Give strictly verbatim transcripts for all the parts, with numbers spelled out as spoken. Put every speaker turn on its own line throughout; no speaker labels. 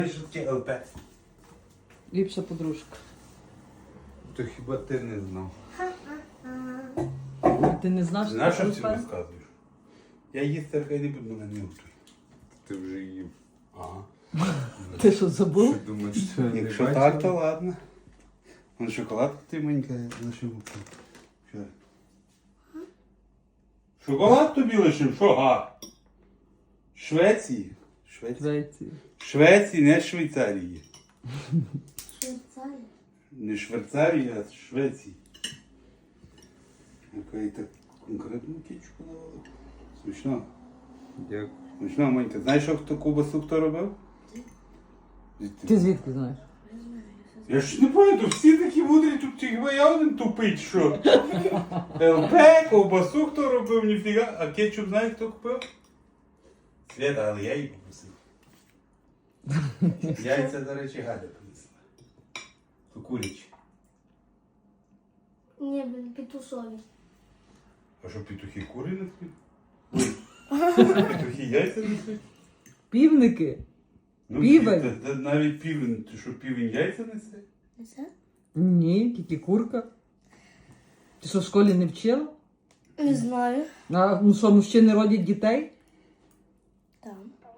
Що таке ЛП?
Ліпша подружка.
То хіба ти не знав?
Ти не знав, що
Знаєш,
це
що ти
ЛП?
розказуєш? Я їсти аркай не буду, мене не готуй.
Ти вже їв.
Ага.
Ти що, забув?
Ти думаєш, що не
Якщо
бачив?
так, то ладно. Вон шоколадку ти маленька лишив. Що? Шоколад тобі лишив? Що га? Швеції? Швеції?
Швеції.
Швеції, не Швейцарії.
Швейцарія.
Не Швейцарії, а Швеції. Яка і так конкретну кічку давали. Смішно.
Дякую.
Смішно, Монька. Знаєш, що хто кубасу хто робив?
Ти звідки знаєш?
Я ж не пам'ятаю, всі такі мудрі, тут хіба я один тупий, що? ЛП, ковбасу хто робив, ніфіга. А кетчуп знаєш, хто купив? Свята, але я її попросив. Яйця, до речі, Галя принесла. То курячі.
Ні, блін, петушові.
А що, петухи кури несуть? Ой, петухи яйця несуть?
Півники?
Ну,
Півень?
та- та навіть півень, ти що, півень яйця несе?
Не це?
Ні, тільки курка. Ти що, в школі не вчила?
Не знаю.
А ну що, мужчини родять дітей?
Там.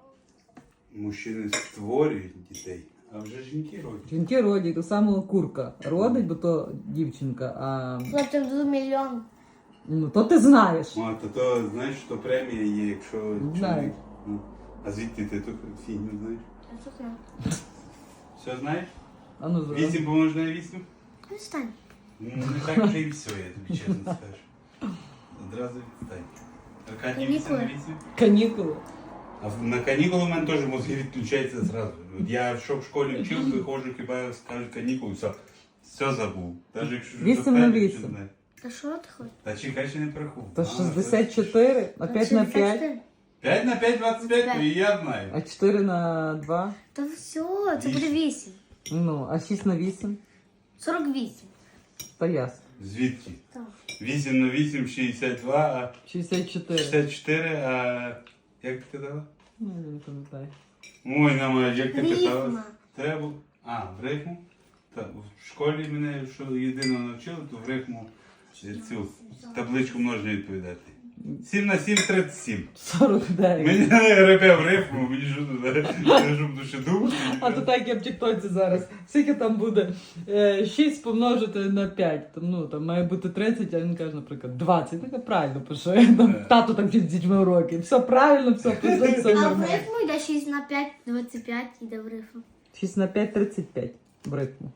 Мужчини створюють дітей, а вже жінки родять.
Жінки родять, так само курка родить, бо то дівчинка, а
Платим до мільйон.
ну то ти знаєш.
О, то, то знаєш, що премія є, якщо
Знаю.
чоловік. Ну, а звідти ти ту фігню знаєш?
Я що знаю.
Все знаєш?
А ну зразу.
Вісім помножити на вісім?
Відстань.
Ну, не так вже і все, я тобі чесно скажу. Одразу відстань. Аркадій вісім на вісім?
Канікули.
А в- на канікули в мене теж мозги відключаються зразу. От я що в школі вчив, виходжу, хіба скажуть канікули, все. Все забув. Навіть якщо ж
Вісім на
достанеш,
вісім.
що знає.
Та що ти хочеш?
Та чекай, ще не порахував.
То
А,
шістдесят чотири, а п'ять на п'ять,
п'ять на п'ять, двадцять п'ять, то і я знаю.
а чотири на два,
Та все, це буде вісім.
ну, а шість на вісім,
сорок вісім.
то ясно.
Звідки?
Так.
вісім на вісім, шістдесят два, а
шістдесят чотири.
шістдесят чотири, а як ти казала?
Ну, я не пам'ятаю.
Ой, на як ти питала?
Рифма.
Треба. А, в рифму? Так, в школі мене що єдиного навчили, то в рифму цю табличку множення відповідати. сім на сім, тридцять сім.
сорок дев'ять.
Мені не репе в рифму, мені що туди, щоб душе думати.
А то так я в тіктоці зараз. Скільки там буде? Е, шість помножити на п'ять. Там, ну, там має бути тридцять, а він каже, наприклад, двадцять. Так я правильно пише. Там, тато так вчить з дітьми уроки. Все правильно, все пише, все
А в
нормально.
рифму йде шість на п'ять, двадцять п'ять йде в рифму.
шість на п'ять, тридцять п'ять. В ритму.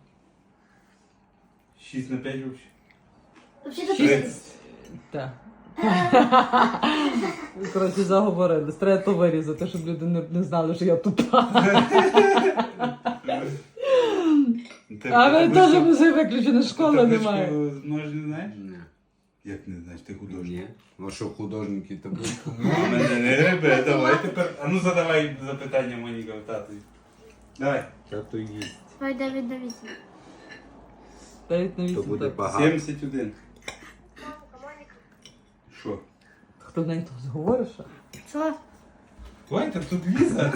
шість на п'ять взагалі.
Взагалі-то
Тридцять.
тридцять.
Так. Коротше, заговорили. Треба то вирізати, щоб люди не, не знали, що я тупа.
Ти
А ви
табличку-
теж вже виключено, школи
табличку
немає.
множення знаєш?
Ні.
Як не знаєш, ти художник?
Ні. Ну що, художники табличку?
А мене не ребе, давай тепер. А ну задавай запитання Моніка в татові. Давай.
Тато їсть.
Давай дев'ять на вісім.
дев'ять на
То
вісім.
буде
так.
багато.
сімдесят один. Що?
Хто в неї тут говориш? що?
Що?
Ой, так тут Ліза.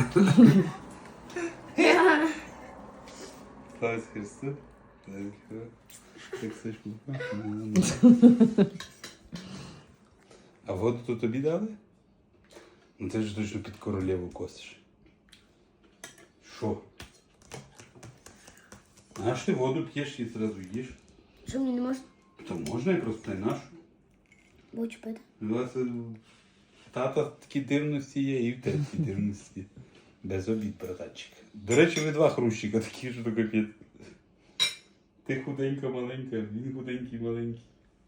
Слава Христу. Так все ж А воду тут тобі дали? Ну ти ж точно під королеву косиш. Що? А ж ти воду п'єш і одразу їш?
Що мені не можна?
То можна і просто не нашу.
Будь пити.
У вас е, тата такі дивності є, і в тебе такі дивності. Без обід, братанчик. До речі, ви два хрущика такі, що то капець. Ти худенька маленька, він худенький маленький.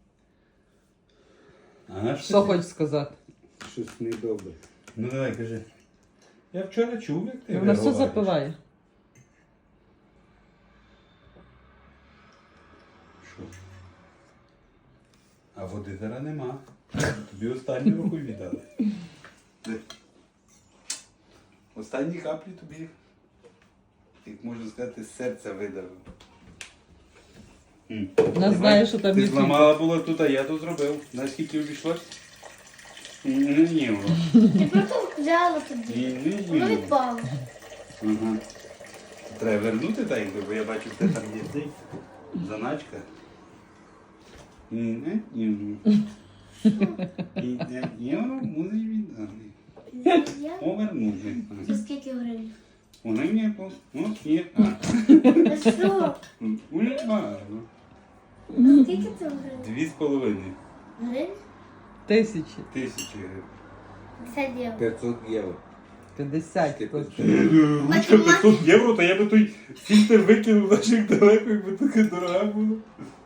А
Що хочеш сказати?
Щось недобре.
Ну давай, кажи. Я вчора чув, як ти
Вона все
виговориш.
запиває.
Що? А води зараз нема. Тобі останню руку віддали. Де? Останні каплі тобі, як можна сказати, з серця видавив. М.
Вона знає, що там
Ти
є
зламала було тут, а я тут зробив. Знаєш, скільки обійшлось? Не ні,
Ти просто взяла тоді.
ні, ні,
Воно
ні.
відпало.
Ага. Треба вернути так, якби, бо я бачу, що там є цей заначка. Ні, ні, ні. І не- євро мусиш віддати.
Я?
Повернути.
За скільки гривень?
Вони мені по... Ну, ні, а.
Та що?
Ой, а, ну.
За скільки це гривень?
Дві з половиною
Гривень?
Тисячі.
тисячі гривень.
п'ятдесят євро.
п'ятсот євро.
п'ятдесят.
Ти
просто.
Ручка п'ятсот євро, то я би той фільтр викинув наших далеко, якби таке дорога була.